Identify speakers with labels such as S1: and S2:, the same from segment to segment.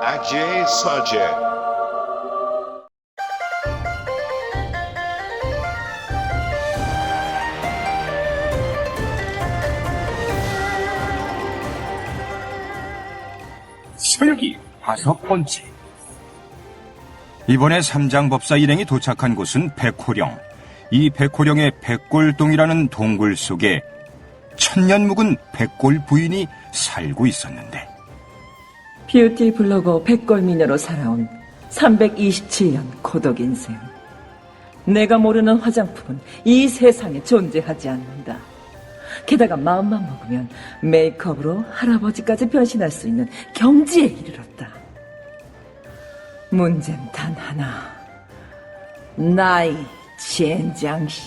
S1: Ajay Sajay.
S2: 서유기 5번째. 이번에 삼장법사 일행이 도착한 곳은 백호령. 이 백호령의 백골동이라는 동굴 속에 천년 묵은 백골 부인이 살고 있었는데,
S3: 뷰티 블로거 백골미녀로 살아온 327년 고독 인생. 내가 모르는 화장품은 이 세상에 존재하지 않는다. 게다가 마음만 먹으면 메이크업으로 할아버지까지 변신할 수 있는 경지에 이르렀다. 문제는 단 하나. 나이 젠장시.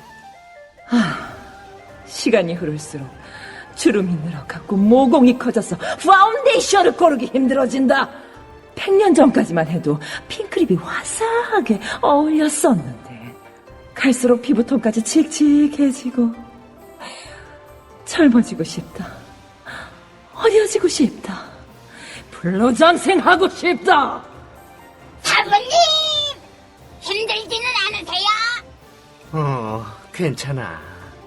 S3: 시간이 흐를수록 주름이 늘어갔고 모공이 커져서 파운데이션을 고르기 힘들어진다. 100년 전까지만 해도 핑크립이 화사하게 어울렸었는데 갈수록 피부톤까지 칙칙해지고 젊어지고 싶다. 어려지고 싶다. 불로장생하고 싶다.
S4: 사부님! 힘들지는 않으세요?
S5: 괜찮아.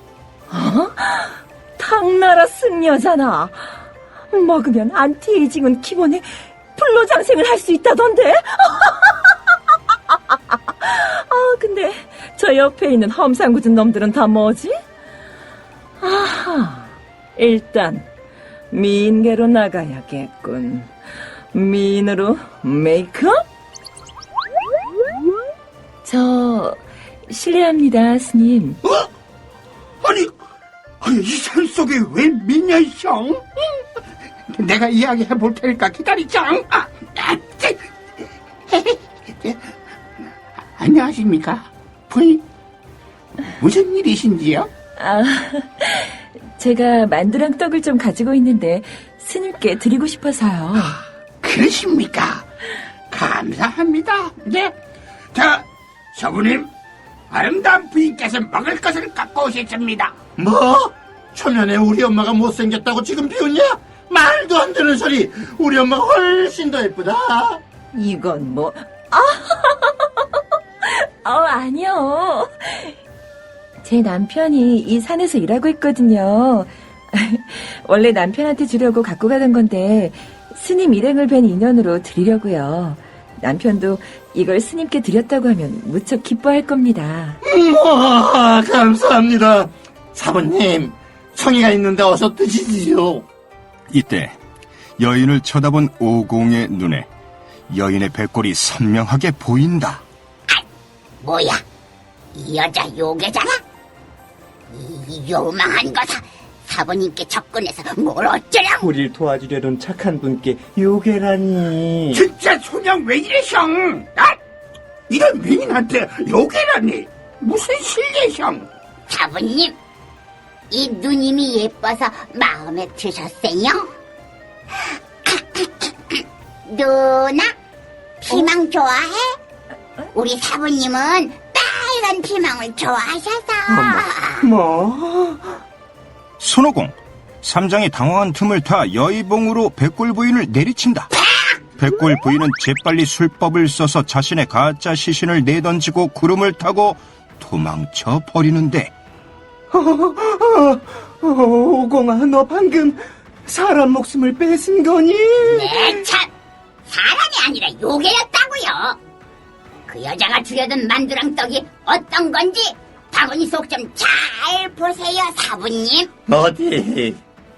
S3: 당나라 승려잖아. 먹으면 안티에이징은 기본에 불로장생을 할 수 있다던데? 근데 저 옆에 있는 험상궂은 놈들은 다 뭐지? 아하, 일단 미인계로 나가야겠군. 미인으로 메이크업? 저 실례합니다, 스님.
S5: 아니, 이 산속에 웬 미녀형? 내가 이야기해 볼 테니까 기다리짱. 안녕하십니까, 부인? 무슨 일이신지요?
S3: 제가 만두랑 떡을 좀 가지고 있는데 스님께 드리고 싶어서요.
S5: 그러십니까? 감사합니다. 네. 자, 서부님, 아름다운 부인께서 먹을 것을 갖고 오셨습니다. 뭐? 초면에 우리 엄마가 못생겼다고 지금 비웃냐? 말도 안 되는 소리. 우리 엄마가 훨씬 더 예쁘다.
S3: 이건 뭐... 아니요. 제 남편이 이 산에서 일하고 있거든요. 원래 남편한테 주려고 갖고 가던 건데 스님 일행을 뵌 인연으로 드리려고요. 남편도 이걸 스님께 드렸다고 하면 무척 기뻐할 겁니다.
S5: 감사합니다. 사부님, 성의가 있는데 어서 드시지요.
S2: 이때 여인을 쳐다본 오공의 눈에 여인의 백골이 선명하게 보인다.
S4: 뭐야? 이 여자 요괴잖아? 이 요망한 거사 사부님께 접근해서 뭘 어쩌려고?
S6: 우릴 도와주려는 착한 분께 요괴라니.
S5: 진짜 소냥 왜 이래, 형? 이런 미인한테 요괴라니. 무슨 실례, 형?
S4: 사부님, 이 누님이 예뻐서 마음에 드셨어요? 누나, 피망 좋아해? 우리 사부님은 빨간 피망을 좋아하셔서.
S6: 뭐?
S2: 손오공, 삼장이 당황한 틈을 타 여의봉으로 백골 부인을 내리친다. 백골 부인은 재빨리 술법을 써서 자신의 가짜 시신을 내던지고 구름을 타고 도망쳐 버리는데,
S6: 오공아, 너 방금 사람 목숨을 뺏은 거니?
S4: 네, 참! 사람이 아니라 요괴였다고요. 그 여자가 주려던 만두랑 떡이 어떤 건지 바구니 속 좀 잘 보세요, 사부님.
S5: 어디?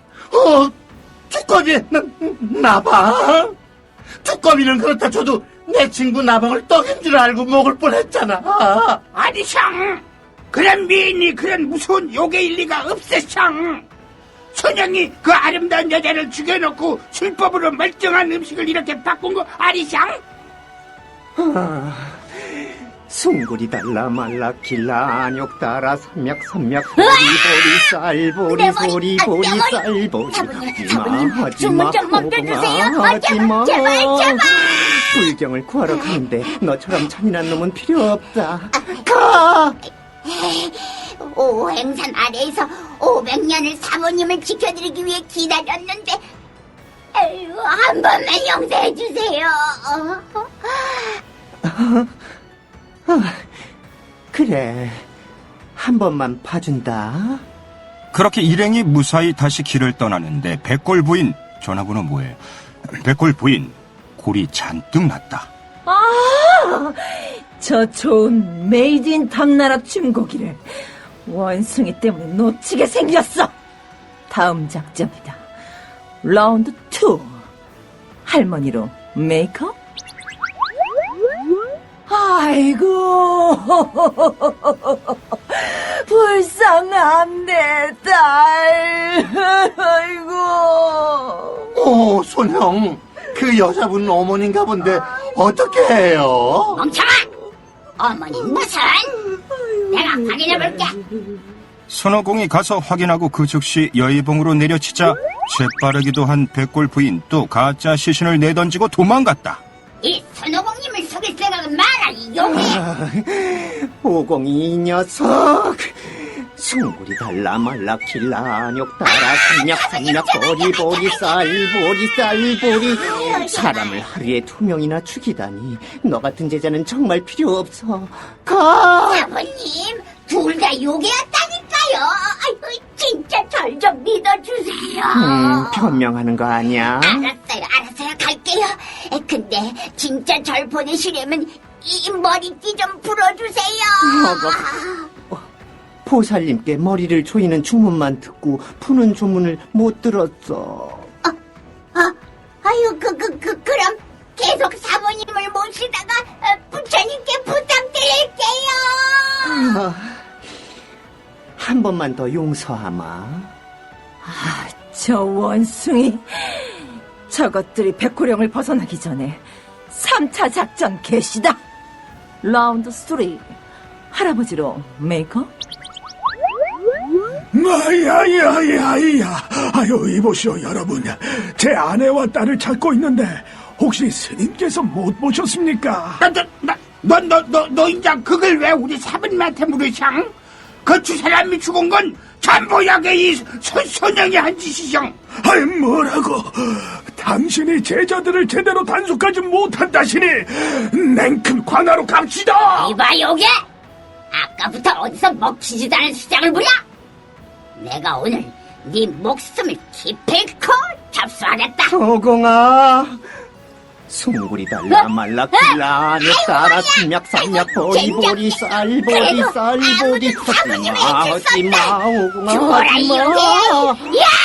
S5: 두꺼비, 나방? 두꺼비는 그렇다 쳐도 내 친구 나방을 떡인 줄 알고 먹을 뻔했잖아. 아니, 형! 그런 미인이 그런 무서운 요괴일 리가 없어, 형! 선영이 그 아름다운 여자를 죽여놓고 술법으로 멀쩡한 음식을 이렇게 바꾼 거 아니, 형?
S6: 숭구리 달라 말라 길라 안욕 따라 삼약 보리 쌀보리 보리 보리 쌀보리.
S4: 사부님, 주문 좀 맡겨주세요.
S6: 하지마.
S4: 제발.
S6: 불경을 구하러 가는데 너처럼 잔인한 놈은 필요 없다. 가!
S4: 오행산 아래에서 500년을 사모님을 지켜드리기 위해 기다렸는데, 에휴, 한 번만 용서해 주세요.
S6: 그래, 한 번만 봐준다.
S2: 그렇게 일행이 무사히 다시 길을 떠나는데 백골 부인 전화번호 뭐예요? 백골 부인 골이 잔뜩 났다.
S3: 저 좋은 메이드 인 당나라 춤고기를 원숭이 때문에 놓치게 생겼어. 다음 작전이다. 라운드 2. 할머니로 메이크업? 아이고, 불쌍한 내 딸. 아이고.
S5: 오, 손형. 그 여자분 어머니인가 본데 어떻게 해요?
S4: 멍청아! 어머니 무슨? 내가 확인해볼게.
S2: 손오공이 가서 확인하고 그 즉시 여의봉으로 내려치자 재빠르기도 한 백골 부인 또 가짜 시신을 내던지고 도망갔다.
S4: 이 손오공님을 속일 생각은 마라, 이 용이.
S6: 오공이 이 녀석. 숭구리 달라 말라 길라 안욕 따라 삼약 보리 쌀보리 사람을 하루에 2명이나 죽이다니 너 같은 제자는 정말 필요 없어. 가.
S4: 사부님, 둘 다 요괴였다니까요. 아이고, 진짜 절 좀 믿어주세요.
S6: 변명하는 거 아니야?
S4: 알았어요. 갈게요. 근데 진짜 절 보내시려면 이 머리띠 좀 풀어주세요.
S6: 보살님께 머리를 조이는 주문만 듣고 푸는 주문을 못 들었어.
S4: 아유, 그럼 계속 사부님을 모시다가 부처님께 부탁드릴게요.
S6: 한 번만 더 용서하마.
S3: 저 원숭이. 저것들이 백호령을 벗어나기 전에 3차 작전 개시다. 라운드 3. 할아버지로 메이크업?
S1: 야야야야야! 아유, 이보시오, 여러분. 제 아내와 딸을 찾고 있는데 혹시 스님께서 못 보셨습니까?
S5: 너 인자 그걸 왜 우리 사부님한테 물으샹? 그 두 사람이 죽은 건 전부약의 이 손영이 한 짓이샹.
S1: 아이, 뭐라고? 당신이 제자들을 제대로 단속하지 못한다시니 냉큼 관하로 갑시다!
S4: 이봐, 요괴! 아까부터 어디서 먹히지도 않은 수작을 부려? 내가 오늘 네 목숨을 기필코 잡수하겠다.
S6: 오공아, 숭구리 달라 말라 길라 안욕 따라 삼약 보리 쌀보리 하지마 오공아
S4: 죽어라, 이
S6: 하지마.
S4: 요괴! 야!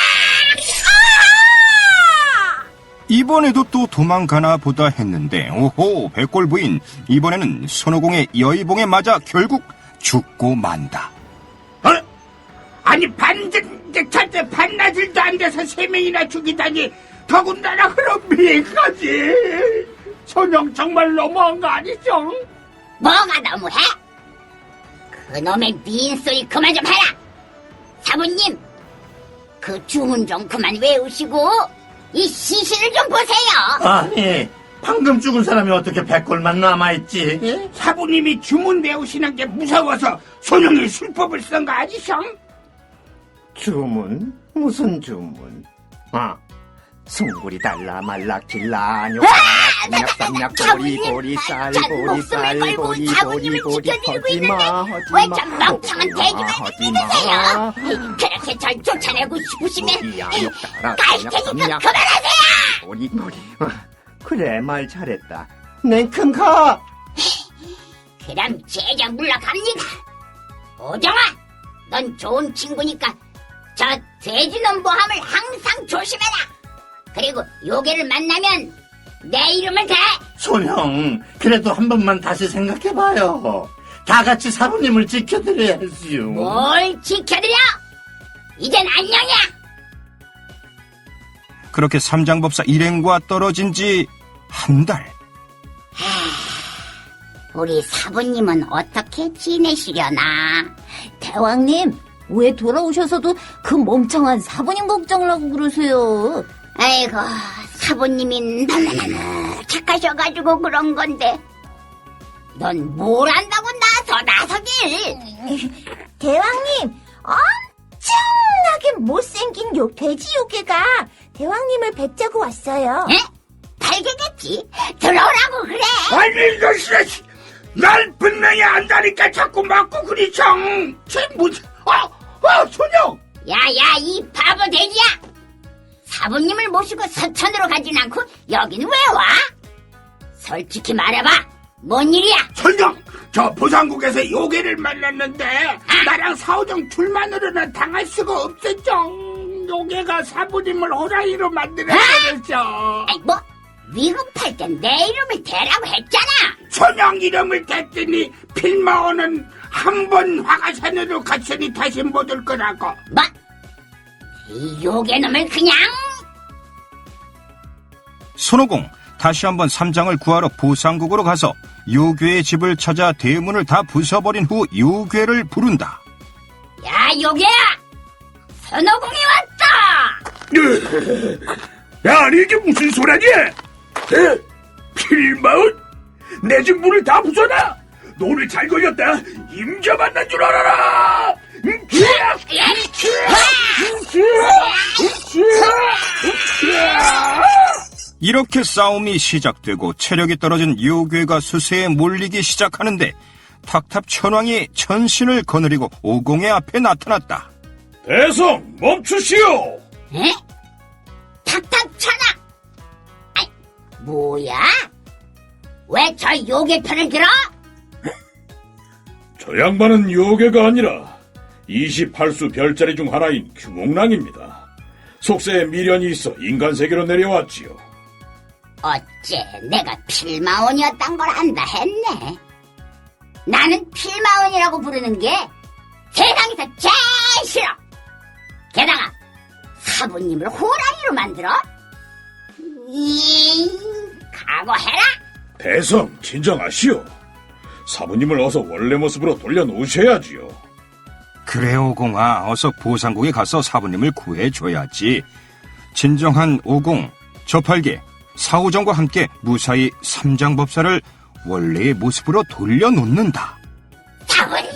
S2: 이번에도 또 도망가나 보다 했는데 오호 백골 부인 이번에는 손오공의 여의봉에 맞아 결국 죽고 만다.
S5: 아니 절대 반나절도 안 돼서 3명이나 죽이다니 더군다나 그런 미까지. 손영 정말 너무한 거 아니죠?
S4: 뭐가 너무해? 그놈의 미인 소리 그만 좀 해라. 사부님, 그 주문 좀 그만 외우시고 이 시신을 좀 보세요.
S5: 아니 방금 죽은 사람이 어떻게 백골만 남아있지? 사부님이 주문 외우시는 게 무서워서 손영이 술법을 쓴 거 아니셔?
S6: 주문? 무슨 주문? 숭구리 달라 말라 길라 안욕 따라 삼약 보리 쌀보리 하지마
S4: 왜 좀 멍청한 돼지만 믿으세요? 그렇게 절 쫓아내고 싶으시면 갈 테니까 그만하세요.
S6: 보리 그래, 말 잘했다. 냉큼 가.
S4: 그럼 제자 물러갑니다. 오정아, 넌 좋은 친구니까 저 돼지놈 모함을 항상 조심해라. 그리고 요괴를 만나면 내 이름을 대.
S5: 손형 그래도 한 번만 다시 생각해봐요. 다 같이 사부님을 지켜드려야지요.
S4: 뭘 지켜드려? 이젠 안녕이야.
S2: 그렇게 삼장법사 일행과 떨어진 지 한 달.
S4: 우리 사부님은 어떻게 지내시려나?
S7: 대왕님, 왜 돌아오셔서도 그 멍청한 사부님 걱정을 하고 그러세요?
S4: 아이고, 사부님이 너무너무 착하셔가지고 그런 건데 넌 뭘 안다고 나서길.
S7: 대왕님, 엄청나게 못생긴 돼지 요괴가 대왕님을 뵙자고 왔어요.
S4: 에? 발견했지? 들어오라고 그래.
S5: 아니 이것이 날 분명히 안다니까 자꾸 맞고 그리 정. 쟤 뭐지? 소녀.
S4: 야야 이 바보 돼지야. 사부님을 모시고 서천으로 가진 않고 여기는 왜 와? 솔직히 말해봐. 뭔 일이야?
S5: 소녀. 저 보상국에서 요괴를 만났는데 나랑 사오정 둘만으로는 당할 수가 없었죠. 요괴가 사부님을 호랑이로 만들어버렸죠.
S4: 아이 뭐 위급할 땐 내 이름을 대라고 했잖아.
S5: 소녀 이름을 댔더니 필마오는 한 번 화가산으로 갔으니 다시 못 올 거라고.
S4: 뭐? 이 요괴놈을 그냥.
S2: 손오공 다시 한번 삼장을 구하러 보상국으로 가서 요괴의 집을 찾아 대문을 다 부숴버린 후 요괴를 부른다.
S4: 야 요괴야. 선호공이 왔다.
S1: 야, 아니 이게 무슨 소리니? 필마은? 내 집 문을 다 부숴놔! 너를 잘 걸렸다! 임자 만난 줄 알아라!
S2: 이렇게 싸움이 시작되고 체력이 떨어진 요괴가 수세에 몰리기 시작하는데 탁탑천왕이 천신을 거느리고 오공의 앞에 나타났다.
S1: 대성, 멈추시오!
S4: 에? 탁탁천아. 아이 뭐야? 왜 저 요괴 편을 들어?
S1: 저 양반은 요괴가 아니라 28수 별자리 중 하나인 규몽랑입니다. 속세에 미련이 있어 인간 세계로 내려왔지요.
S4: 어째 내가 필마원이었단 걸 안다 했네. 나는 필마원이라고 부르는 게 세상에서 제일 싫어. 게다가 사부님을 호랑이로 만들어? 각오해라.
S1: 대성, 진정하시오. 사부님을 어서 원래 모습으로 돌려놓으셔야지요.
S2: 그래 오공아, 어서 보상국에 가서 사부님을 구해줘야지. 진정한 오공, 저팔계, 사오정과 함께 무사히 삼장법사를 원래의 모습으로 돌려놓는다.
S4: 사부님,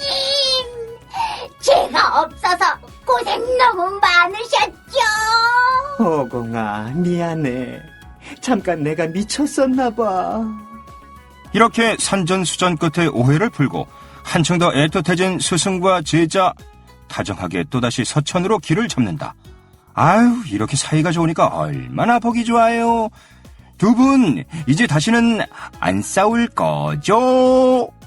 S4: 제가 없어서 고생 너무 많으셨죠?
S6: 오공아, 미안해. 잠깐 내가 미쳤었나봐.
S2: 이렇게 산전수전 끝에 오해를 풀고 한층 더 애틋해진 스승과 제자, 다정하게 또다시 서천으로 길을 잡는다. 아유, 이렇게 사이가 좋으니까 얼마나 보기 좋아요. 두 분 이제 다시는 안 싸울 거죠?